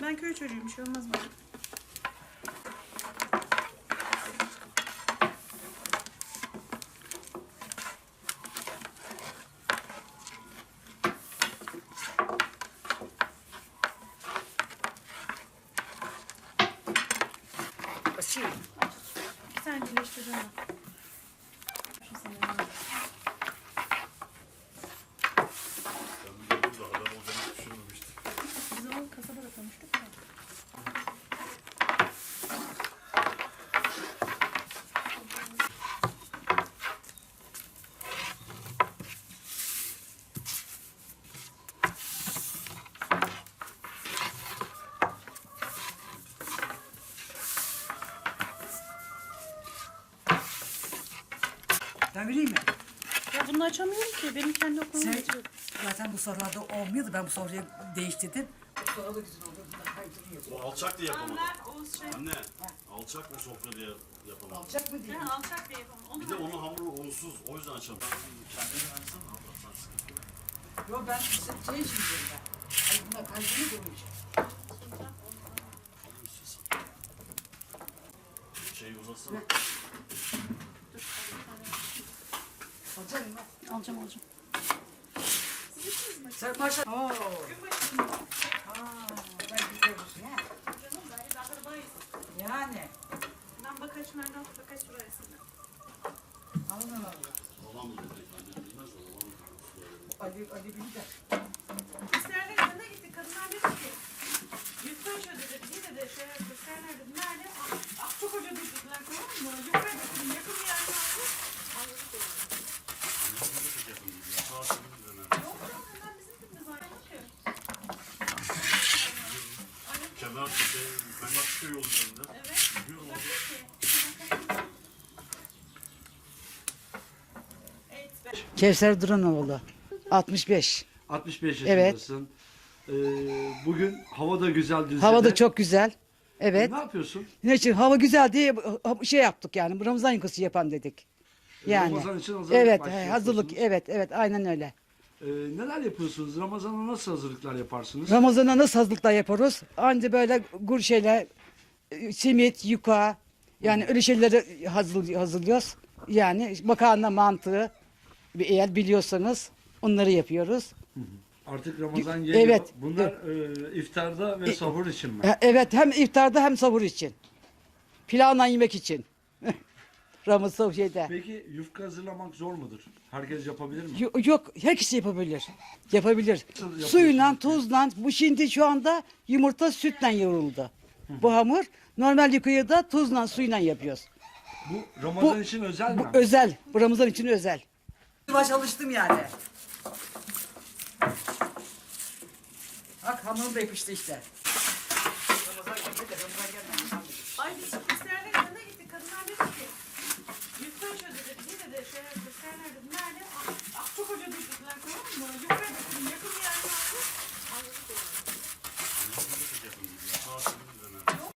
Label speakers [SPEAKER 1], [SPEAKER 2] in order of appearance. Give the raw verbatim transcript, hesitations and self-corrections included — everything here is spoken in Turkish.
[SPEAKER 1] Ben köy çocuğuyum. Bir şey olmaz bana.
[SPEAKER 2] Açayım.
[SPEAKER 1] Bir tane birleştireceğim ben. Şu sana. Biz onu kasabada konuştuk ya.
[SPEAKER 2] Ben vereyim mi?
[SPEAKER 1] Ya bunu açamıyorum ki. Benim kendi okulum
[SPEAKER 2] Sen
[SPEAKER 1] geçiyor.
[SPEAKER 2] zaten bu sofrada olmuyordu. Ben bu sofrayı değiştirdim. Bu sofra da güzel oldu. Bundan kaydırıyor.
[SPEAKER 3] O alçak diye yapamadım.
[SPEAKER 1] Ben Oğuz şey.
[SPEAKER 3] Anne, alçak mı sofra diye yapamadım.
[SPEAKER 2] Alacak mı diyeyim?
[SPEAKER 1] Ben alçak bir yapamam. Onu
[SPEAKER 3] Bir de onun hamuru unsuz, o yüzden açamadım. Kendini versene abla, sen sıkıntı yok.
[SPEAKER 2] Yok ben şey için diyorum ben. Ay bunlar kaydırıyor koymayacağım.
[SPEAKER 3] Alıyorsun sen. Şey uzasana.
[SPEAKER 2] Alacak mı?
[SPEAKER 1] Alacağım alacağım.
[SPEAKER 2] Sen maşallah. Oo. Aa, ben gidiyorsun ha.
[SPEAKER 1] Canım ben de akrabayız.
[SPEAKER 2] Yani.
[SPEAKER 1] Ben bakaç nereden bakaç burasında.
[SPEAKER 2] Allah Allah.
[SPEAKER 3] Olan mı dedi? Anne bilmez o olan mı?
[SPEAKER 2] Ali, Ali bilir.
[SPEAKER 1] Kızlarla yanına gittik. Kadınlar dedi ki yufka ödedi. Bir dedi şey kızlarlar dedi. Nerede? Ah, ah çok ödedi dediler tamam mı? Yufka ödedi. Yakın bir yerde aldı. Anladık dedi.
[SPEAKER 3] Anne de çok yakın gidiyor. Sağ sınırı döner.
[SPEAKER 1] Yok yok hemen bizim dibimiz var. Yok ki.
[SPEAKER 3] Kemer şey, Kemer çıkıyor yol üzerinde.
[SPEAKER 1] Evet.
[SPEAKER 3] Gidiyorum
[SPEAKER 1] Bak
[SPEAKER 3] orada.
[SPEAKER 1] ki. Evet ben.
[SPEAKER 2] Kevser Duranoğlu. altmış beş.
[SPEAKER 4] altmış beş
[SPEAKER 2] Evet.
[SPEAKER 4] yaşındasın. Ee, bugün hava da güzel Düzce'de.
[SPEAKER 2] Hava da çok güzel. Evet.
[SPEAKER 4] Ne yapıyorsun?
[SPEAKER 2] Ne için? Hava güzel diye şey yaptık yani. Ramazan yıkası yapan dedik. Yani.
[SPEAKER 4] Ramazan için hazırlık
[SPEAKER 2] Evet,
[SPEAKER 4] başlıyorsunuz.
[SPEAKER 2] hazırlık. Evet, evet, aynen öyle.
[SPEAKER 4] Ee, neler yapıyorsunuz? Ramazan'a nasıl hazırlıklar yaparsınız?
[SPEAKER 2] Ramazan'a nasıl hazırlıklar yaparız? Anca böyle gur şeyler, e, simit, yuka, yani öyle şeyleri hazır, hazırlıyoruz. Yani makarna mantığı, eğer biliyorsanız onları yapıyoruz.
[SPEAKER 4] Artık Ramazan geliyor.
[SPEAKER 2] Evet.
[SPEAKER 4] Bunlar e, iftarda ve sahur için mi?
[SPEAKER 2] E, Evet, hem iftarda hem sahur için. Pilavla yemek için. Ramazan şeyde.
[SPEAKER 4] Peki yufka hazırlamak zor mudur? Herkes yapabilir mi?
[SPEAKER 2] Yok, yok, herkes yapabilir. Yapabilir.
[SPEAKER 4] Nasıl yapıyorsunuz
[SPEAKER 2] Suyla,
[SPEAKER 4] ki?
[SPEAKER 2] tuzla, bu şimdi şu anda yumurta sütle yoğruldu. Bu hamur normal yıkayı da tuzla, suyla yapıyoruz.
[SPEAKER 4] Bu Ramazan
[SPEAKER 2] Bu-
[SPEAKER 4] için özel mi?
[SPEAKER 2] Bu özel, bu Ramazan için özel. Baş alıştım yani. Bak hamurum da yapıştı işte. Ramazan gelmedi, Ramazan gelmedi.
[SPEAKER 1] Ay biz